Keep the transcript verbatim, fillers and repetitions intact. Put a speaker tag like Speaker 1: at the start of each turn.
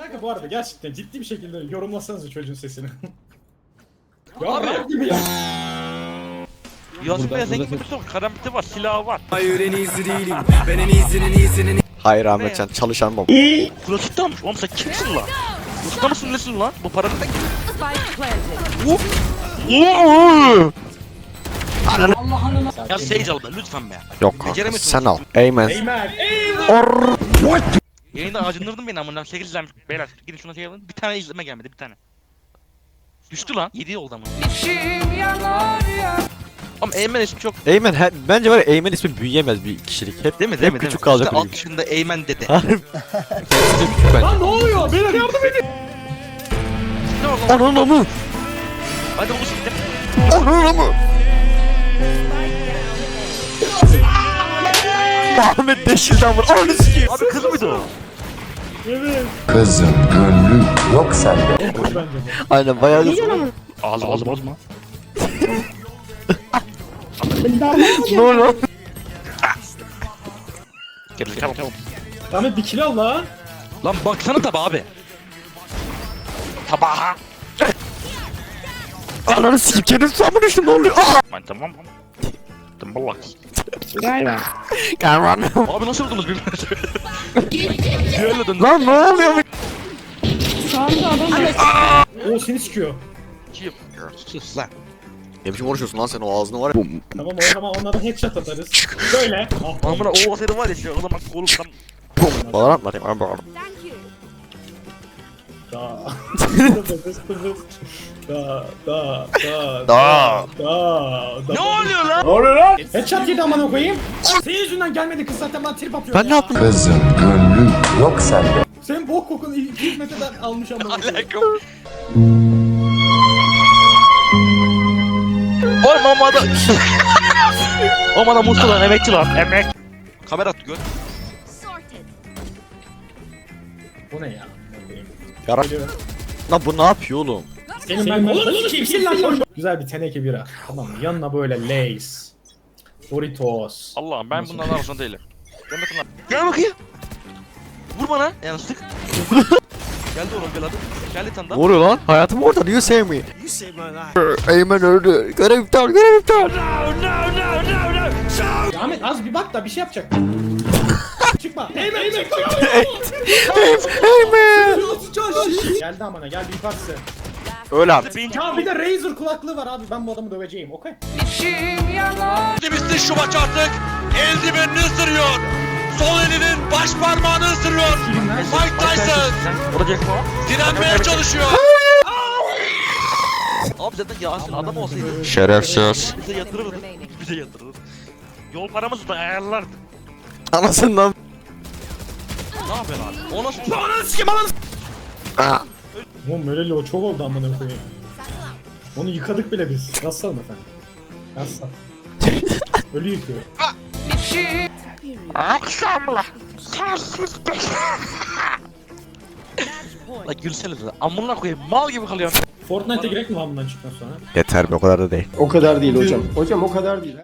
Speaker 1: Kanka bu arada gerçekten ciddi bir şekilde yorumlasanız çocuğun sesini. Ya
Speaker 2: Abi.
Speaker 1: rap gibi ya.
Speaker 2: Yasin Bey'e zengin bir şey karambiti var, silahı var.
Speaker 3: Hayır en iyisi değilim. Ben en iyisinin iyisinin.
Speaker 4: Hayır Ahmetcan çalışan baba.
Speaker 2: Klasikte almış. Oğlum sen kimsin lan? Klasikte mısın nesin lan? Bu para neden geliyor?
Speaker 5: Spike planted.
Speaker 2: Ya Sage al be lütfen be.
Speaker 4: Yok kanka
Speaker 2: Beceremedim.
Speaker 4: sen al. Amen.
Speaker 1: Eymen.
Speaker 2: Yayında acındırdın beni amına. sekiz izlenmiş. Beyler gidin şuna şey alın. Bir tane izleme gelmedi bir tane. Düştü lan. yedi oldu ama. Ama Eymen ismi çok.
Speaker 4: Eymen he, bence var ya Eymen ismi büyüyemez bir kişilik. Hep,
Speaker 2: Değil mi?
Speaker 4: hep
Speaker 2: Değil mi?
Speaker 4: küçük
Speaker 2: Değil mi?
Speaker 4: kalacak
Speaker 2: İşte
Speaker 4: bir
Speaker 2: alt yaşında Eymen dede.
Speaker 4: Kendisi de küçük bence.
Speaker 1: Lan ne oluyor? Beyler yardım edin.
Speaker 2: Ne oldu lan?
Speaker 4: Ananı mı?
Speaker 2: Hadi bu siktir.
Speaker 4: Ananı mı? Ahmet deşilden vur. Ananı sikeyim.
Speaker 2: Abi kız mıydı o?
Speaker 1: Evet.
Speaker 6: Kızın gönlü yok sende.
Speaker 1: Bence de.
Speaker 4: Aynen bayağı da
Speaker 2: Ağzı ağzı bozma.
Speaker 4: Ne oluyor?
Speaker 2: Gel gel gel.
Speaker 1: Ahmet bir kilo al lan.
Speaker 2: Lan baksana tabağa abi. Tabağa.
Speaker 4: Ananı sikeyim kendim sanma düştüm ne oluyor? Aa!
Speaker 2: Ben tamam. Tımballak.
Speaker 4: Kahraman.
Speaker 2: Abi nasıl vurdunuz birbirinize? Düello döndü.
Speaker 4: Lan ne oluyor?
Speaker 1: Oo seni sikiyor.
Speaker 2: Kim? Sus lan.
Speaker 4: Ne biçim konuşuyorsun lan sen o ağzını var ya.
Speaker 1: Tamam o zaman onlardan headshot atarız. Böyle. Ah,
Speaker 2: Amına o seni var ya şu o zaman kolum tam.
Speaker 4: Valorant var ya ben bağırdım.
Speaker 1: Da. Da da da
Speaker 4: Da.
Speaker 1: da da.
Speaker 2: Ne oluyor lan?
Speaker 1: Headshot yedi amına koyayım. Senin yüzünden gelmedi kız zaten ben trip atıyorum.
Speaker 4: Ben ne yaptım?
Speaker 6: Kızın gönlü yok sende.
Speaker 1: Senin bok kokunu iki yüz metreden almış amına koyayım.
Speaker 2: Alakam. Oğlum ama da. Ama da muslu lan emekçi lan emek. Kamera at gör.
Speaker 1: Bu ne ya?
Speaker 4: Yara. Lan bu ne yapıyor oğlum?
Speaker 1: Senin ben oğlum kimsin lan? Güzel bir teneke bira. Tamam mı? Yanına böyle Lay's, Doritos.
Speaker 2: Allah'ım ben bunların arasında değilim. Gel bakayım lan. Gel bakayım. Vur bana. Yani sık. Geldi oğlum gel hadi. Gel bir tane
Speaker 4: Ne
Speaker 2: daha.
Speaker 4: oluyor lan? Hayatım orada. Do you save me? Eymen öldü. Görev iptal, görev iptal.
Speaker 1: Ya Ahmet az bir bak da bir şey yapacak. Çıkma. Eymen Eymen.
Speaker 4: Eymen.
Speaker 1: Geldi amına geldi yukarısı.
Speaker 4: Öyle artık.
Speaker 1: Ya bir de Razer kulaklığı var abi ben bu adamı döveceğim okey.
Speaker 2: Bitti şu maç artık. Eldivenini ısırıyor. Sol elinin baş parmağını ısırıyor. Mike Tyson direnmeye çalışıyor. Abi zaten Yasin adam olsaydı
Speaker 4: Şerefsiz.
Speaker 2: bize yatırırdı. Bize yatırırdı. Yol paramızı da ayarlardı.
Speaker 4: Anasından.
Speaker 2: Ne yapıyorsun abi? O nasıl?
Speaker 4: Aa.
Speaker 1: Oğlum öyle o çok oldu amına koyayım. Onu yıkadık bile biz. Nasıl efendim? Nasıl? Ölü yıkıyor.
Speaker 2: Akşamla. Sensiz beş. La gülsene de. Amına koyayım mal gibi kalıyor.
Speaker 1: Fortnite'e girek mi lan bundan çıktıktan sonra?
Speaker 4: Yeter be o kadar da değil.
Speaker 3: O kadar değil hocam. Hocam o kadar değil.